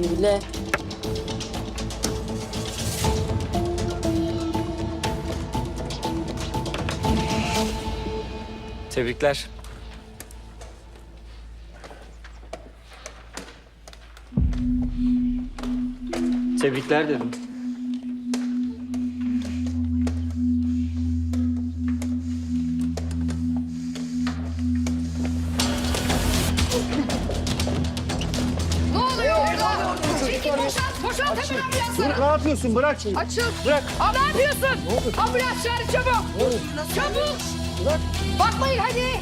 Hile. Tebrikler. Tebrikler dedim. Ne oluyor orada? Çekil boşalt hemen ambulansı. Ne yapıyorsun? Bırak şimdi. Açıl. Bırak. Aa, ne yapıyorsun? Ambulans çağır çabuk. Çabuk. Bırak. Bakmayın hadi.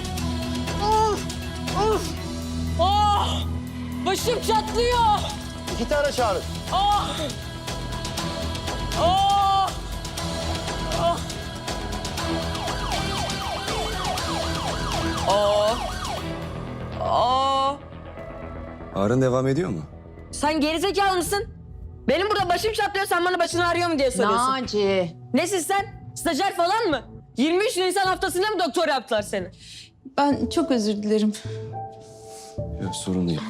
Ah! Başım çatlıyor. 2 tane çağırın. Ah! Ah! Ah! Ah! Ah! Ağrın devam ediyor mu? Sen gerizekalı mısın? Benim burada başım çatlıyor, sen bana başın ağrıyor mu diye soruyorsun. Naci. Nesin sen? Stajyer falan mı? 23 Nisan haftasında mı doktor yaptılar seni? Ben çok özür dilerim. Yok, sorun değil.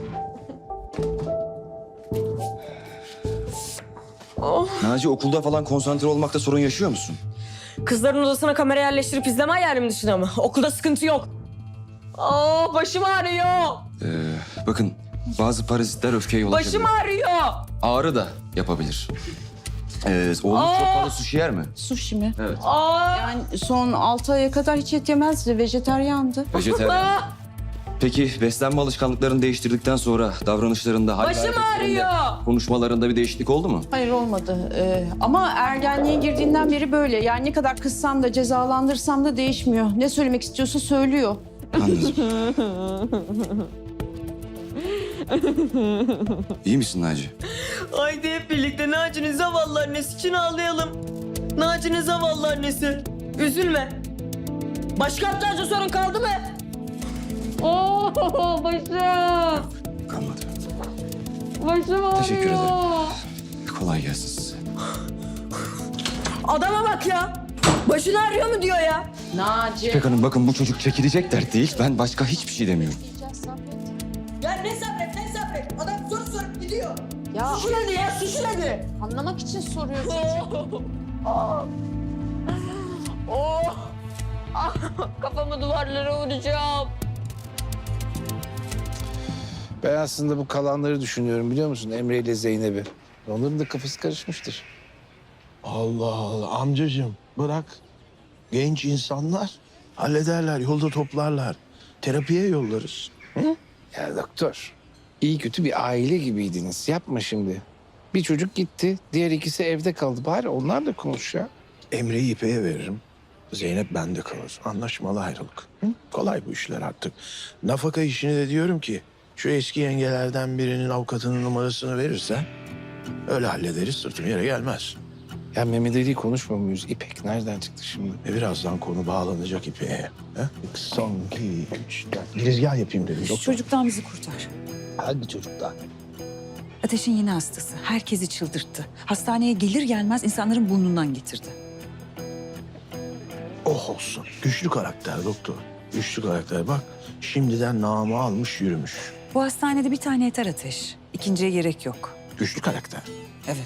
Naci, okulda falan konsantre olmakta sorun yaşıyor musun? Kızların odasına kamera yerleştirip izleme hayalim dışında mı? Okulda sıkıntı yok. Aa, başım ağrıyor. Bakın, bazı parazitler öfkeye yol açabilir. Başım ağrıyor. Ağrı da yapabilir. Oğlunuz çok fazla sushi yer mi? Sushi mi? Evet. Aa! Yani son 6 aya kadar hiç et yemezdi. Vejeteryandı. Vejetaryen. Aa! Peki beslenme alışkanlıklarını değiştirdikten sonra davranışlarında, hal ve Başım hareketlerinde, ağrıyor. konuşmalarında bir değişiklik oldu mu? Hayır olmadı. Ama ergenliğe girdiğinden beri böyle. Yani ne kadar kızsam da cezalandırsam da değişmiyor. Ne söylemek istiyorsa söylüyor. Anladım. İyi misin Naci? Haydi hep birlikte Naci'nin zavallı annesi için ağlayalım. Naci'nin zavallı annesi. Üzülme. Başka aptalca sorun kaldı mı? Oo, başım. Kalmadı. Başım ağrıyor. Teşekkür ederim. Kolay gelsin size. Adama bak ya. Başın ağrıyor mu diyor ya. Naci. İpek Hanım, bakın bu çocuk çekilecek dert değil. Ben başka hiçbir şey demiyorum. Ya ne sabret. Adam soru sorup gidiyor. Ya Susun hadi ya, susun hadi. anlamak için soruyorsun. Oh. Oh. Ah, kafamı duvarlara vuracağım. Ben aslında bu kalanları düşünüyorum, biliyor musun? Emre ile Zeynep'i. Onların da kafası karışmıştır. Allah Allah amcacığım bırak. Genç insanlar hallederler, yolda toplarlar. Terapiye yollarız. Ya doktor, iyi kötü bir aile gibiydiniz. Yapma şimdi. Bir çocuk gitti, diğer ikisi evde kaldı. Bari onlar da konuş ya. Emre'yi İpek'e veririm. Zeynep bende kalır. Anlaşmalı ayrılık. Hı? Kolay bu işler artık. Nafaka işini de diyorum ki şu eski yengelerden birinin avukatının numarasını verirsen öyle hallederiz, sırtım yere gelmez. Ya Mehmet Ali'yi konuşmuyor muyuz? İpek nereden çıktı şimdi? Birazdan konu bağlanacak İpek'e. He? Son, 2, 3, 4. Girizgah yapayım dedim. Şu Doktor. çocuktan bizi kurtar. Hangi çocuklar? Ateş'in yeni hastası. Herkesi çıldırttı. Hastaneye gelir gelmez insanların burnundan getirdi. Oh olsun. Güçlü karakter doktor. Güçlü karakter. Bak şimdiden namı almış yürümüş. Bu hastanede bir tane yeter Ateş. İkinciye gerek yok. Güçlü karakter. Evet.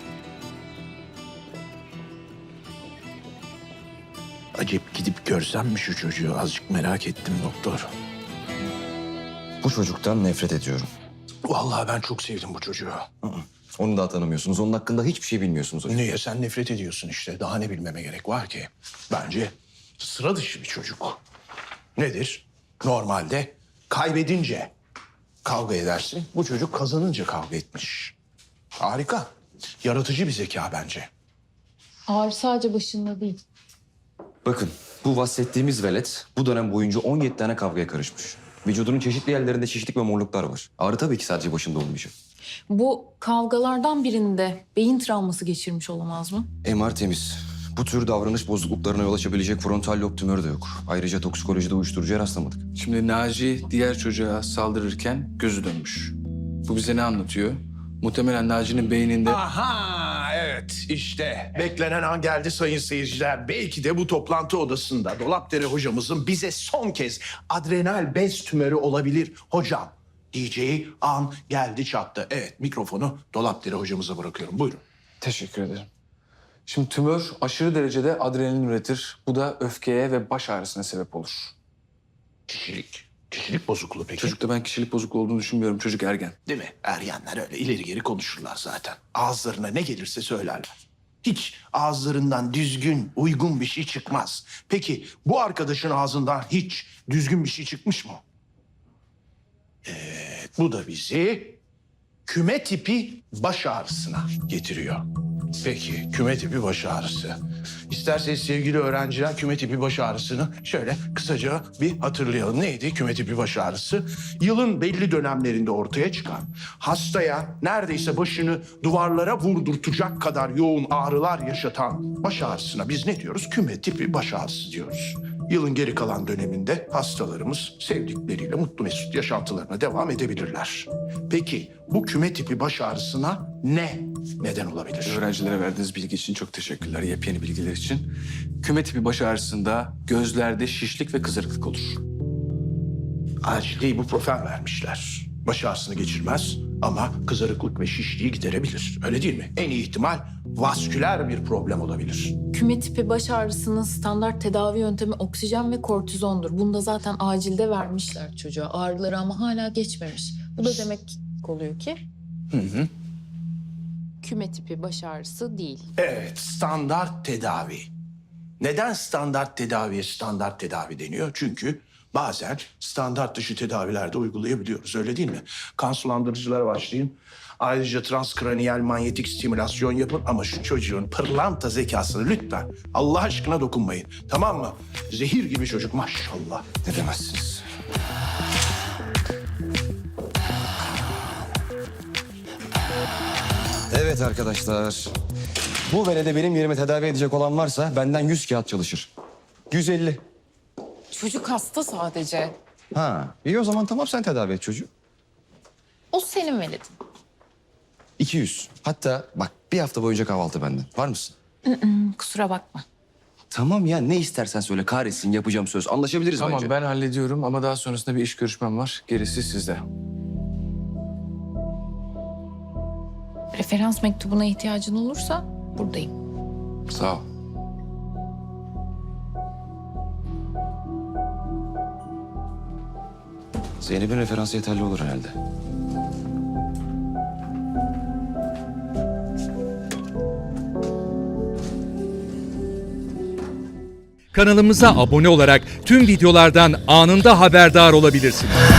Acep gidip görsem mi şu çocuğu? Azıcık merak ettim doktor. Bu çocuktan nefret ediyorum. Vallahi ben çok sevdim bu çocuğu. Onu da tanımıyorsunuz. Onun hakkında hiçbir şey bilmiyorsunuz hocam. Niye? Sen nefret ediyorsun işte. Daha ne bilmeme gerek var ki? Bence sıra dışı bir çocuk. Nedir? Normalde kaybedince kavga edersin. Bu çocuk kazanınca kavga etmiş. Harika. Yaratıcı bir zeka bence. Ağrı sadece başında değil. Bakın, bu bahsettiğimiz velet bu dönem boyunca 17 tane kavgaya karışmış. Vücudunun çeşitli yerlerinde şişlik ve morluklar var. Ağrı tabii ki sadece başında olmayacak. Bu kavgalardan birinde beyin travması geçirmiş olamaz mı? MR temiz. Bu tür davranış bozukluklarına yol açabilecek frontal lob tümörü de yok. Ayrıca toksikolojide uyuşturucuya rastlamadık. Şimdi Naci diğer çocuğa saldırırken gözü dönmüş. Bu bize ne anlatıyor? Muhtemelen Naci'nin beyninde... Aha evet işte beklenen an geldi sayın seyirciler. Belki de bu toplantı odasında Dolapdere hocamızın bize son kez adrenal bez tümörü olabilir hocam diyeceği an geldi çattı. Evet, mikrofonu Dolapdere hocamıza bırakıyorum. Buyurun. Teşekkür ederim. Şimdi tümör aşırı derecede adrenalin üretir. Bu da öfkeye ve baş ağrısına sebep olur. Kişilik bozukluğu peki? Çocukta ben kişilik bozukluğu olduğunu düşünmüyorum. Çocuk ergen. Değil mi? Ergenler öyle ileri geri konuşurlar zaten. Ağızlarına ne gelirse söylerler. Hiç ağızlarından düzgün, uygun bir şey çıkmaz. Peki bu arkadaşın ağzından hiç düzgün bir şey çıkmış mı? Bu da bizi küme tipi baş ağrısına getiriyor. Peki küme tipi baş ağrısı. İsterseniz sevgili öğrenciler küme tipi baş ağrısını şöyle kısaca bir hatırlayalım. Neydi küme tipi baş ağrısı? Yılın belli dönemlerinde ortaya çıkan, hastaya neredeyse başını duvarlara vurdurtacak kadar yoğun ağrılar yaşatan baş ağrısına biz ne diyoruz? Küme tipi baş ağrısı diyoruz. Yılın geri kalan döneminde hastalarımız sevdikleriyle mutlu mesut yaşantılarına devam edebilirler. Peki bu küme tipi baş ağrısına ne neden olabilir? Öğrencilere verdiğiniz bilgi için çok teşekkürler. Yepyeni bilgiler için. Küme tipi baş ağrısında gözlerde şişlik ve kızarıklık olur. Acilde ibuprofen vermişler. Baş ağrısını geçirmez ama kızarıklık ve şişliği giderebilir. Öyle değil mi? En iyi ihtimal vasküler bir problem olabilir. Küme tipi baş ağrısının standart tedavi yöntemi oksijen ve kortizondur. Bunu da zaten acilde vermişler çocuğa. Ağrıları ama hala geçmemiş. Bu da demek oluyor ki küme tipi baş ağrısı değil. Evet, standart tedavi. Neden standart tedaviye standart tedavi deniyor? Çünkü bazen standart dışı tedavilerde uygulayabiliyoruz, öyle değil mi? Kan sulandırıcılara başlayın. Ayrıca transkraniyel manyetik stimülasyon yapın ama şu çocuğun pırlanta zekasını lütfen Allah aşkına dokunmayın. Tamam mı? Zehir gibi çocuk maşallah. Ne demezsiniz? Evet arkadaşlar. Bu velede benim yerime tedavi edecek olan varsa benden 100 kağıt çalışır. 150. Çocuk hasta sadece. Ha, iyi o zaman tamam sen tedavi et çocuğu. O senin veledin. 200. Hatta bak bir hafta boyunca kahvaltı benden. Var mısın? Kusura bakma. Tamam ya ne istersen söyle kahretsin yapacağım söz. Anlaşabiliriz Tamam bence. ben hallediyorum ama daha sonrasında bir iş görüşmem var. Gerisi sizde. Referans mektubuna ihtiyacın olursa buradayım. Sağ ol. Zeynep'in referansı yeterli olur herhalde. Kanalımıza abone olarak tüm videolardan anında haberdar olabilirsiniz.